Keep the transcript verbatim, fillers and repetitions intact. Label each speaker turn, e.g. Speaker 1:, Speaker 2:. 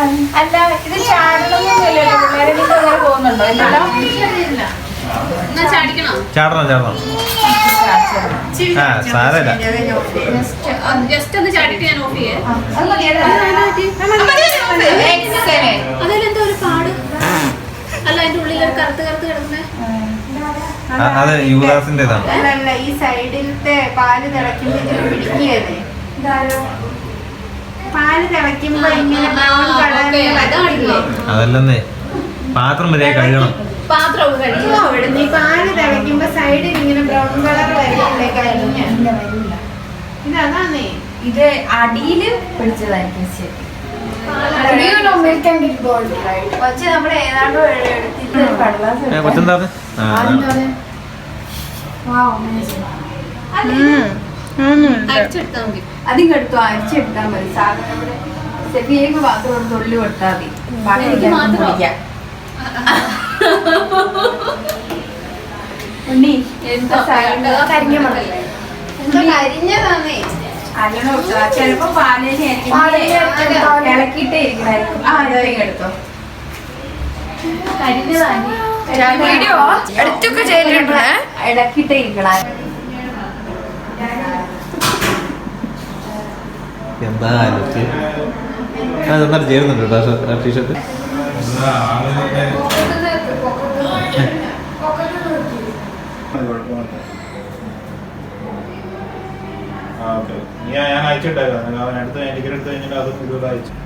Speaker 1: അല്ല ഇത് ചാടണമെന്നൊന്നുമില്ലല്ലോ പിള്ളേരെ അങ്ങനെ പോകുന്നുണ്ടോ ഇല്ലല്ലോ
Speaker 2: ചാടിക്കണോ
Speaker 3: ചാടണം ചാടണം ആ സാരല്ല
Speaker 2: ജസ്റ്റ് ഒന്ന് ചാടിയിട്ട് ഞാൻ ഓഫ് ചെയ്യേ അതിലെന്തോ ഒരു പാട് അല്ല അതിന്റെ ഉള്ളിൽ ഒരു കറുത്ത് കറുത്ത് കിടക്കുന്നേ
Speaker 3: അത് യുവദാസിന്റേതാണ്
Speaker 1: അല്ല ഈ സൈഡിലത്തെ പാല് തിളയ്ക്കുമ്പോ ഇതിൽ പിടിക്കുകയല്ലേ പാല് തിളയ്ക്കുമ്പോ ഇങ്ങനെ ബ്രൗൺ കളറില്ലേ
Speaker 3: അതല്ലെന്നേ പാത്രം വരെ കഴുകണം
Speaker 2: പാത്രമൊക്കെ കഴിക്കും
Speaker 1: ഇവിടുന്ന് ഈ പാല് തിളയ്ക്കുമ്പോ സൈഡിൽ ഇങ്ങനെ ബ്രൗൺ കളർ വരില്ലേ കഴിഞ്ഞ ഇതതാന്നേ
Speaker 4: ഇത് അടിയില് പിടിച്ചതായിരിക്കും ശരി പക്ഷെ നമ്മൾ ഏതാണ്ടോ എടുത്തിട്ട് കടലാസ്
Speaker 3: കൊച്ചെന്താ
Speaker 2: അടിച്ചെടുത്താൽ മതി
Speaker 4: അതിങ്ങ് എടുത്തു അരിച്ചെടുത്താൽ മതി സാധനം നമ്മുടെ സെഫിയേക്ക് മാത്രം ഒരു തൊള്ളി കൊടുത്താൽ മതി
Speaker 2: എനിക്ക് മാത്രം
Speaker 4: ഉണ്ണി
Speaker 2: എന്താ
Speaker 4: കരിഞ്ഞ മണല്ലേ
Speaker 1: കരിഞ്ഞതാന്നേ
Speaker 4: അല്ലണോ ചിലപ്പോ പാലിനെ ഇളക്കിയിട്ടേ ഇരിക്കണായിരിക്കും ആ ഇതൊക്കെ എടുത്തോ
Speaker 1: വീഡിയോ എടുത്തൊക്കെ ചെയ്തിട്ടുണ്ട്
Speaker 4: ഇളക്കിയിട്ടേ ഇരിക്കണായിരുന്നു
Speaker 3: എന്താ നന്നായിട്ട് ചേരുന്നുണ്ട് കേട്ടോ ടീഷർട്ട്
Speaker 5: ഞാൻ അയച്ചിട്ടായിരുന്നു അവൻ അടുത്ത് എനിക്ക് എടുത്ത് കഴിഞ്ഞിട്ട് അതും ഇതുപോലെ അയച്ചു